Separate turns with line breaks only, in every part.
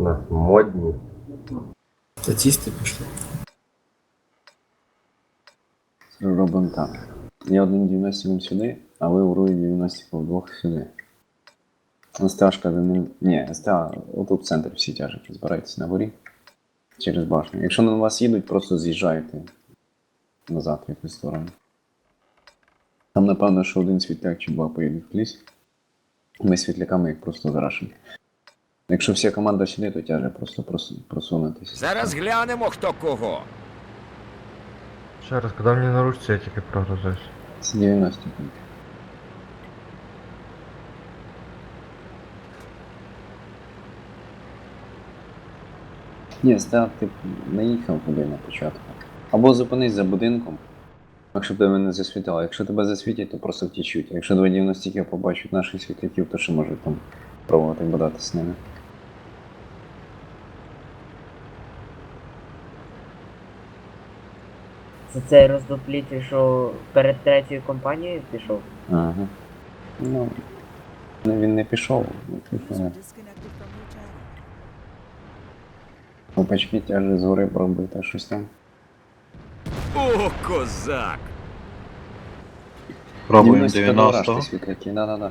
нас модні.
Статісти пішли.
Робимо так. Я один 90 сюди, а ви урує 90 вдвох сюди. СТАшка за ним. Ні, СТА отут в центр всі тяжуть, збирайтеся на горі. Через башню. Якщо на вас їдуть, просто з'їжджайте назад в якусь сторону. Там напевно, що один світляк чи два поїдуть в ліс. Ми світляками їх просто зарашимо. Якщо вся команда сюди, то тяже просто просунутися.
Зараз глянемо, хто кого.
Ще раз, коли мені наручці, я тільки прогрузився.
Це 90 пунктів. Ні, став, ти наїхав туди на початку. Або зупинись за будинком, якщо тебе не засвітило. Якщо тебе засвітять, то просто втічуть. Якщо 290 побачать наших світляків, то ще можуть там пробувати бодати з ними.
Це цей роздопліть, що перед третьою компанією пішов?
Ага. Ну, він не пішов. Опачки тяжі згори пробити щось там.
О, козак!
Пробуємо
90.
90.
Світляки, да-да-да.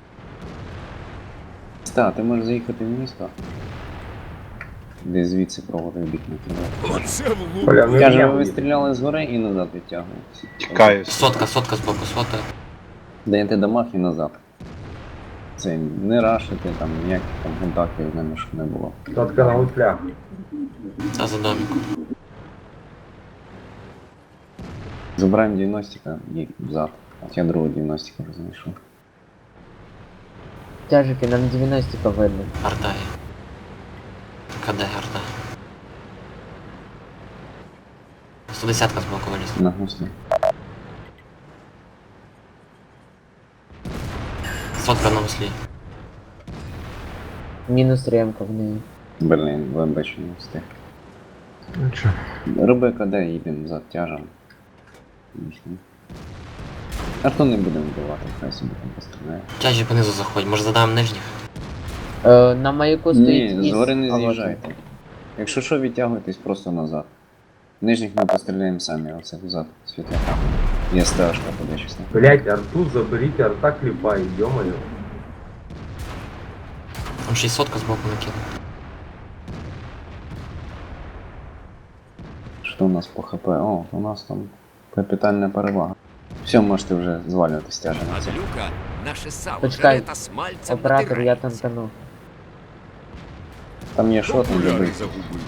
Ста, ти можеш заїхати в місто? Де звідси пробувати бік накидати.
Оце влуп!
Бля, ну
Каже,
я
ви стріляли згори і назад відтягуєтеся.
Тікаю.
Сотка збоку, сотка.
Даєте дамаг і назад. Це не рашити, там ніяких там контактів з ними щоб не було.
Сотка на гуслях.
Та за домиком.
Забираємо 90-ка і взад. От я другу 90-ка вже знайшов.
Тяжики, нам 90 видно.
Арта є. КД арта. 110 збоку виліз.
На гуслі.
Сотка на веслі.
Мінус ремка в неї.
Блін, ВМБ не встиг.
Нічого.
Роби КД, їдемо за тяжем. А то не будемо вбивати, хай собі там постріляє.
Тяжі понизу заходь, може задаємо нижніх?
На маяку стоїть
Ні,
із,
згори не
а от-
з'їжджайте. Якщо що, відтягуйтесь просто назад. Нижніх ми постріляємо самі, оце взад, світляка. Є стежка подачісна.
Блять, арту заберіть, арта кліпає, йомаю.
Там 600 збоку накинув.
Що у нас по ХП? О, у нас там капітальна перевага. Все, можете вже звалювати стяжі на це.
Мадлюка, наше сало
Почекай,
жере та смальцем
Оператор, я
натирається.
там тону.
Там є шот, не
Окуляри
добий.
загубив.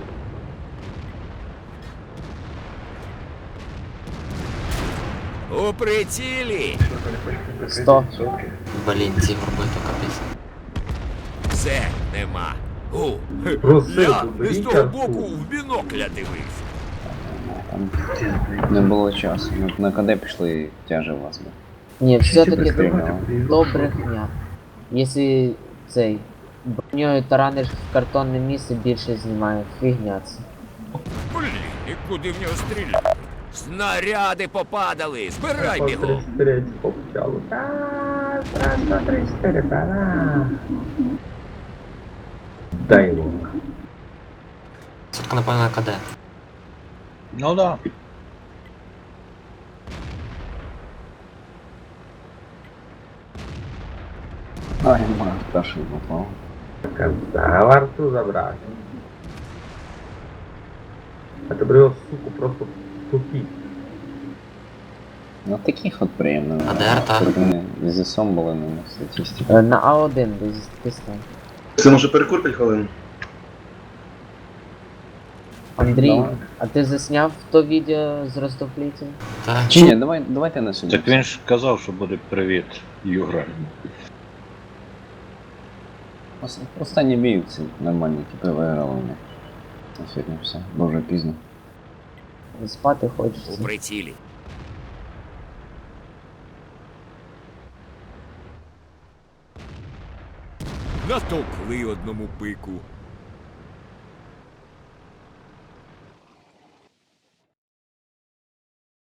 У прицілі!
100.
Блін, ці горби то капець.
Все, нема. О,
Просив,
я
заберіть
з того
арту.
боку в бінокля дивився.
Там не було часу. На КД пішли тяжі у вас.
Ні, все-таки
Пристріляли.
то брехня. Якщо цей броньою тараниш в картонне місце, більше знімає. Фігня це.
Блін, і куди в нього стріляти? Снаряди попадали! Збирай бігом!
33 попчало. Раз, два, 34, пора. Дай йому.
Сотка напевно на КД.
Ну да.
Ай, ма, пташий попав.
Казав арту забрати. А тебе його, суку, просто тупіть.
Ну таких от приємно.
А де арта?
Вони зі сом були на статистиці.
На А1 десь ти став.
Це може перекур 5 хвилин?
Андрій,
Давай.
а ти засняв то відео з розтоплітем?
Так.
Чи ні, давайте на сьогодні.
Так він ж казав, що буде привіт, Югра.
Останні бій ці нормальні типи виграли вони. На сьогодні все. Бо вже пізно.
Спати
У
хочеться.
прицілі. Натовкли одному пику.